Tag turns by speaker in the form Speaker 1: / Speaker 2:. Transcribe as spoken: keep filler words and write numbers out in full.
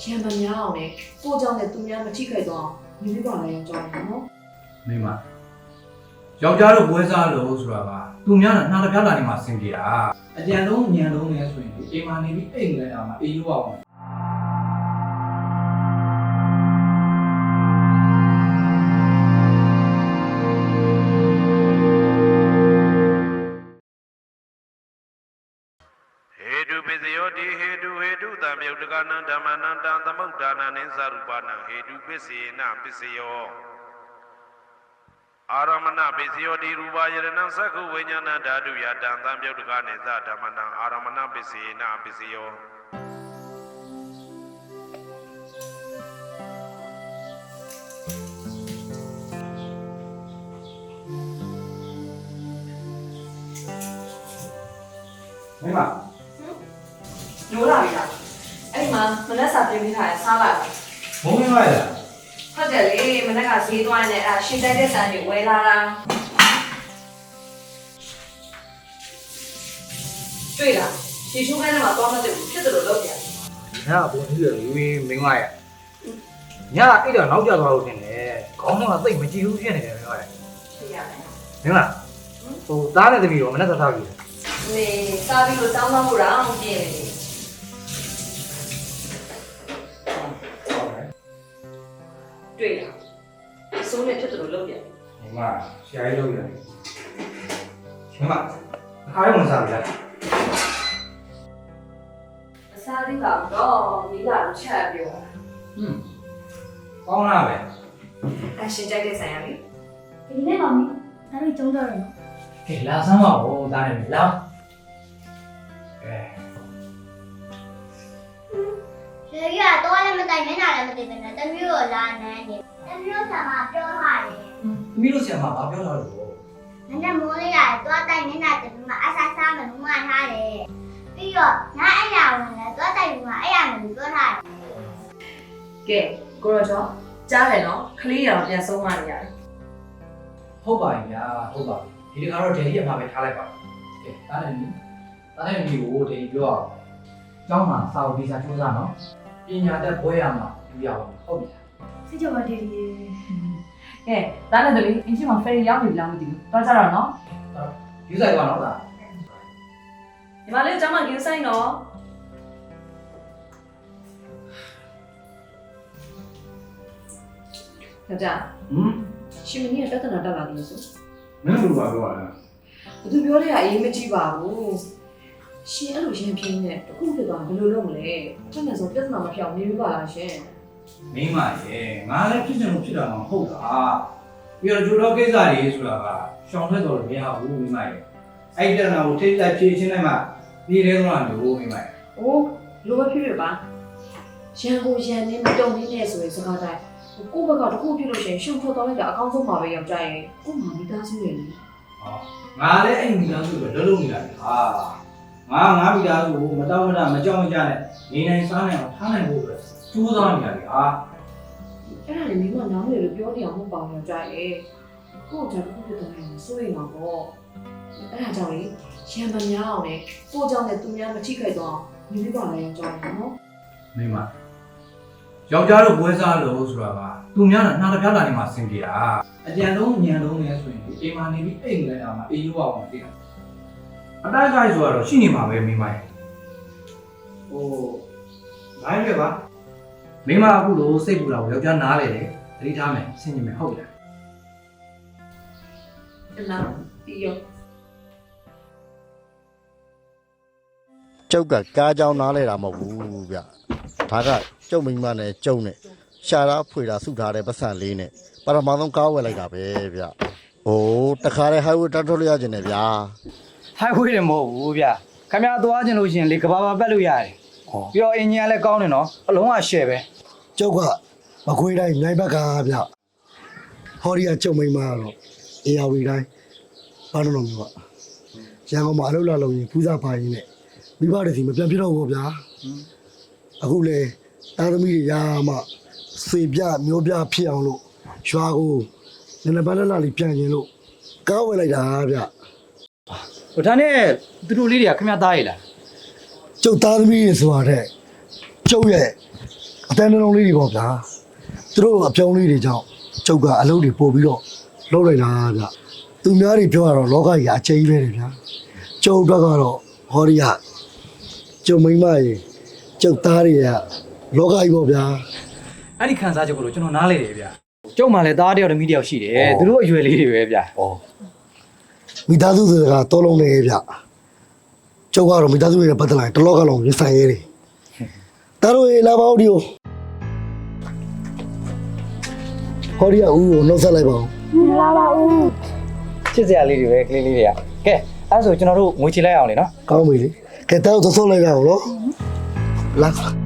Speaker 1: ရံပများအောင်လေကိုเจ้าနဲ့သူများမထိခိုက်တော့ညီလေးပါလည်းကြောင်းတယ်နော်
Speaker 2: မိမယောက်ျားတို့ပွဲစားလို့ဆိုတာကသူများကနှာတစ်ပြားလာနေမှဆင်ပြေတာအကြံလုံးညံလုံးလဲဆိုရင်အိမ်မှာနေပြီးအိမ်လဲတာမှအေးလို့အောင်
Speaker 3: ဟေတုပစ္စယောတိဟေတုဟေတုတံမြုပ်တကနံဓမ္မနံတံသမုဒ္ဒါနံနိသရူပနံဟေတုပစ္စေနပစ္စယောအာရမဏပစ္စယောတိရူပယရဏံသက္ခုဝိညာဏဓာတုယတံသံမြုပ်တကနိသဓမ္မနံအာရမဏပစ္စေနပစ္စယော
Speaker 2: မိမ
Speaker 1: ညိုးလာပြီလားအဲ့မှာမနက်စာပြင်ပေးထားတယ်စားလိုက်
Speaker 2: ဘုံမင်းလိုက်လား
Speaker 1: ဟုတ်တယ်လေမနက်ကဈေးသွားနေအဲ့ရှင်းတိုက်တဲ့ဆန်တွေဝယ်လာတာတွေ့လားဒီချိုးခိုင်းထဲမှာတော့မသိဘူးဖြစ်တယ်လို့လုပ်ပြန်
Speaker 2: ညကဘုံကြီးရလူရင်းမင်းလိုက်ရညအဲ့တော့နောက်ကျသွားလို့တင်တယ်ခေါင်းထဲမှာသိပ်မကြည့်ဘူးဖြစ်နေတယ်မင်းလိုက်
Speaker 1: သိရမယ်
Speaker 2: မင်းလားဟိုသားနဲ့သမီးတော့မနက်စားစားကြည့်
Speaker 1: နေစားပြီးလို့တောင်းတောင်းလို့တော့ပြင်းနေတွေ့လားအစိုးနဲ့ဖြစ်တယ်လို့လုပ်ပြန်
Speaker 2: မိမဆရာကြီးလုပ်ရတယ်မိမအားရမစားဘူးလား
Speaker 1: အစားသေးပါတော့မိလာတော့ချက်ပြောတာ
Speaker 2: ဟွန်းကောင်းလားပဲ
Speaker 1: အရှင်ကြိုက်တဲ့ဆိုင်ရလေ
Speaker 4: ဒီနေ့ပါမင်းဒါလေးကျုံးတော့ရနော်
Speaker 2: ကဲလာစမ်းပါဦးသားနဲ့လာကဲ
Speaker 4: ရေကြီးကတော့လည်းမတိုင်မျက်နှာလည်းမသိဘူးနဲ့တမျိုးကိုလာနန်းနေတမျိုးဆံမှာပြောထားတယ်
Speaker 2: သမီးတို့ဆရာမဘာပြောထားလို့
Speaker 4: နည်းနည်းမိုးလေးရတယ်သွားတိုင်မျက်နှာတမျိုးမှာအဆာဆာမလို့မှထားတယ်ပြီးတော့ငါအဲ့ရဝင်လဲသွားတိုင်ပြီးမှအဲ့ရမယ်လို့ပြောထားတယ်
Speaker 1: ကဲကိုရောကျော်ကြားတယ်နော်ခလေးရအောင်ပြန်ဆုံးမနေရတယ်
Speaker 2: ဟုတ်ပါရဲ့ဗျာဟုတ်ပါပြီဒီတခါတော့ဒေဒီအမှာပဲထားလိုက်ပါကဲတားတယ်နီးတားတယ်နီးကိုဒေဒီပြောအောင်ကျောင်းမှာစာအုပ်ဒီစာစူးစမ်းနော်ပညာတတ်ဘွဲရမှာယူရအောင်ဟုတ်ပြီ
Speaker 4: စိတ်ကြပါဒီဒီ
Speaker 1: ကဲတားတယ်တလေးအင်းချင်းမှာဖယ်ရောက်ပြီလားမသိဘူးတော့ကြတော့နော်
Speaker 2: ယူဆိုင်ပါနော်ဒါ
Speaker 1: ဒီမလေးကျောင်းမှာယူဆိုင်နော်ကြောက်ကြ
Speaker 2: ဟမ်
Speaker 1: ရှင်မင်းရဲ့ပြဿနာတက်လာတယ်ဆို
Speaker 2: မင်းတို့ဘာပြောရလဲ
Speaker 1: ဘသူပြောတဲ့အရေးမကြီးပါဘူးရှင်အဲ့လိုရင်ပြင်းနဲ့တခုဖြစ်သွားဘယ်လိုလုပ်မလဲအဲ့နဲ့ဆိုပြဿနာမပြောင်းနေဘူးပါလားရှင်
Speaker 2: မင်းမရဲ့ငါလည်းဖြစ်ချင်လို့ဖြစ်တာမှမဟုတ်တာပြီးတော့ဂျိုတော့ကိစ္စတွေဆိုတာကရှောင်ထွက်တော်လို့မရဘူးမင်းမရဲ့အဲ့ပြဿနာကိုထိလိုက်ဖြေရှင်းလိုက်မှဒီရဲတော့လို့မင်းမရဲ့
Speaker 1: အိုးလိုပဲဖြစ်ဖြစ်ပါရန်ကိုရန်နေမတုံနေနဲ့ဆိုရင်စကားတိုင်းကိုယ့်ဘက်ကတခုဖြစ်လို့ရှိရင်ရှုံထွက်သွားလိုက်တာအကောင်းဆုံးပါပဲယောက်ျားရဲ့ကို့မှာမိသားစုရဲ့လေ
Speaker 2: ဟောငါလည်းအဲ့မိသားစုပဲလုံးလုံးနေတာဟာငါငါမိသားစုကိုမတောင်းမတမကြောက်မကြနဲ့နေနိုင်စားနိုင်အောင်ထားနိုင်ဖို့အတွက်ကြိုးစားနေတာလေဟာ
Speaker 1: အဲ့ဒါလေမိမနားလေလို့ပြောနေအောင်မဟုတ်ပါဘူးယောက်ျားရဲ့ကို့ကြောင့်တခုဖြစ်သွားရင်စိုးရိမ်မှာပေါ့အဲ့ဒါကြောင့်လေရံပများအောင်လေကို့ကြောင့်နဲ့သူများမထိခိုက်တော့ညီလေးပါလည်းယောက်ျားရဲ့နော်
Speaker 2: မိမယောက်ျားတို့ပွဲစားလို့ဆိုတာကသူများကနှာတစ်ပြားလာနေမှဆင်ပြေတာအကြံလုံးညံလုံးလဲဆိုရင်အိမ်မှာနေပြီးအိမ်လဲတာမှအေးလို့အောင်သိတာအတိုက်ခိုက်ဆိုတော့ရှိနေမှာပဲမိမရဲ့ဟိုဘိုင်းရပါမိမအခုလို့စိတ်ပူတာကိုယောက်ျားနားလေတယ်သတိထားမယ်ဆင်ញင်မယ်ဟုတ်လား
Speaker 1: အဲ့လားပြီးရော
Speaker 5: ကျုပ်ကကားကြောင်းနားလဲတာမဟုတ်ဘူးဗျဒါကကျုပ်မိမနဲ့ကျုံနဲ့ရှာတာဖွေတာစုထားတဲ့ပတ်စံလေးနဲ့ပထမဆုံးကားဝယ်လိုက်တာပဲဗျဟိုတခါတည်း highway တက်ထွက်လို့ရကျင်တယ်ဗျာ
Speaker 6: highway တယ်မဟုတ်ဘူးဗျခင်ဗျားသွားကျင်လို့ရှင်လေကဘာပါပတ်လို့ရတယ်ပြီးတော့အင်ဂျင်ကလည်းကောင်းတယ်နော်အလုံးကရှယ်ပဲ
Speaker 5: ကျုပ်ကမခွေးတိုင်းနိုင်ဘက်ကဗျဟော်ရီကကျုံမိမတော့အေယာဝီတိုင်းဘာလို့လို့မျိုးကရန်ကုန်မှာအလုပ်လာလုပ်ရင်ပူဇာပါရင်နဲ့မိဘတွေစီမပြန်ပြတော့ဘူးဗျာအခုလေတာသမီတွေရာမှစေပြမျိုးပြဖြစ်အောင်လို့ရွာကိုနည်းနည်းပါးလာလေးပြန်ရင်လို့ကားဝယ်လိုက်တာဗျ
Speaker 6: ဟိုဒါနဲ့သူတို့လေးတွေကခင်ဗျားသားရည်လား
Speaker 5: ကျုပ်သားသမီးတွေဆိုတာတဲ့ကျုပ်ရဲ့အတန်းနှလုံးလေးတွေပေါ့ဗျာသူတို့အပြောင်းလေးတွေကြောင့်ကျုပ်ကအလုပ်တွေပို့ပြီးတော့လုပ်လိုက်တာဗျသူများတွေပြောရတော့လောကကြီးအကျဉ်းပဲတယ်ဗျာကျုပ်အတွက်ကတော့ဟောဒီကကျုံမိမရေကျုပ်သားတွေကလောကကြီးပေါ့ဗျာ
Speaker 6: အဲ့ဒီခံစားချက်ကိုလို့ကျွန်တော်နားလေတယ်ဗျကျုံမှလည်းသားတယောက်တမီးတယောက်ရှိတယ်သူတို့အရွယ်လေးတွေပဲဗျ
Speaker 5: ဩမိသားစုတွေကတောလုံးနေဗျကျုပ်ကတော့မိသားစုတွေနဲ့ပတ်သက်လာရင်တလောကလုံးရဆိုင်ရဲတယ်တားတို့ရေလာပါဦးဒီကိုဟောဒီကဦးကိုနှုတ်ဆက်လိုက်ပါဦး
Speaker 6: ချစ်စရာလေးတွေပဲကလေးလေးတွေကကဲအဲ့ဆိုကျွန်တော်တို့ငွေချေလိုက်အောင်လေနော်
Speaker 5: ကောင်းပြီလေကဲတောက်သုံးလိုက်ကြအောင်နော်လာ